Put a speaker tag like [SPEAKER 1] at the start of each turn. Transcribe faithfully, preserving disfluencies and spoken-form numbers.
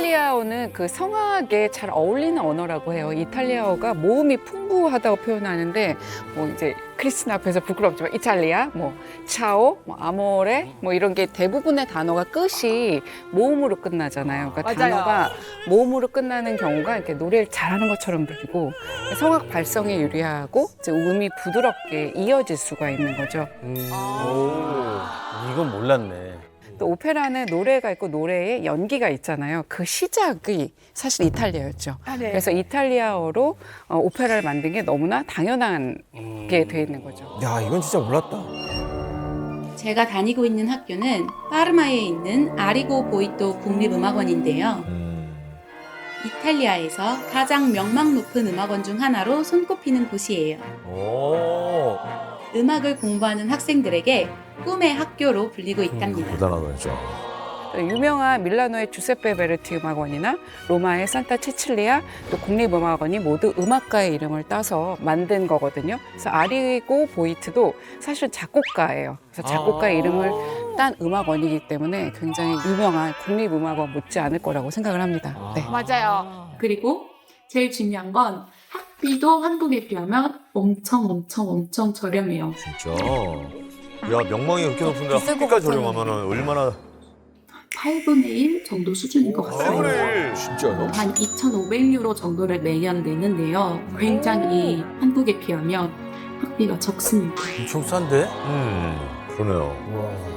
[SPEAKER 1] 이탈리아어는 그 성악에 잘 어울리는 언어라고 해요. 이탈리아어가 모음이 풍부하다고 표현하는데 뭐 이제 크리스틴 앞에서 부끄럽지만 이탈리아, 뭐 차오, 뭐 아모레 뭐 이런 게 대부분의 단어가 끝이 모음으로 끝나잖아요. 그러니까
[SPEAKER 2] 맞아요.
[SPEAKER 1] 단어가 모음으로 끝나는 경우가 이렇게 노래를 잘하는 것처럼 들리고 성악 발성에 유리하고 이제 음이 부드럽게 이어질 수가 있는 거죠.
[SPEAKER 3] 음. 오, 이건 몰랐네.
[SPEAKER 1] 또 오페라는 노래가 있고 노래에 연기가 있잖아요. 그 시작이 사실 이탈리아였죠.
[SPEAKER 2] 아, 네.
[SPEAKER 1] 그래서 이탈리아어로 어, 오페라를 만든 게 너무나 당연한 게 돼 있는 거죠.
[SPEAKER 4] 야, 이건 진짜 몰랐다.
[SPEAKER 5] 제가 다니고 있는 학교는 파르마에 있는 아리고 보이토 국립음악원인데요.
[SPEAKER 4] 음.
[SPEAKER 5] 이탈리아에서 가장 명망 높은 음악원 중 하나로 손꼽히는 곳이에요.
[SPEAKER 4] 오.
[SPEAKER 5] 음악을 공부하는 학생들에게 꿈의 학교로 불리고 있답니다.
[SPEAKER 4] 대단하다, 진짜.
[SPEAKER 1] 유명한 밀라노의 주세페 베르티 음악원이나 로마의 산타 치칠리아 또 국립음악원이 모두 음악가의 이름을 따서 만든 거거든요. 그래서 아리고 보이트도 사실 작곡가예요. 그래서 작곡가의 이름을 딴 음악원이기 때문에 굉장히 유명한 국립음악원 못지 않을 거라고 생각을 합니다. 네.
[SPEAKER 2] 맞아요.
[SPEAKER 6] 그리고 제일 중요한 건 학비도 한국에 비하면 엄청 엄청 엄청 저렴해요.
[SPEAKER 4] 진짜. 야, 명망이 그렇게 높은데 학비까지 저렴하면 얼마나.
[SPEAKER 6] 팔분의 일 정도 수준인 것 같아요.
[SPEAKER 4] 진짜요?
[SPEAKER 6] 한 이천오백 유로 정도를 매년 내는데요. 굉장히 한국에 비하면 학비가 적습니다.
[SPEAKER 4] 엄청 싼데? 음, 그러네요.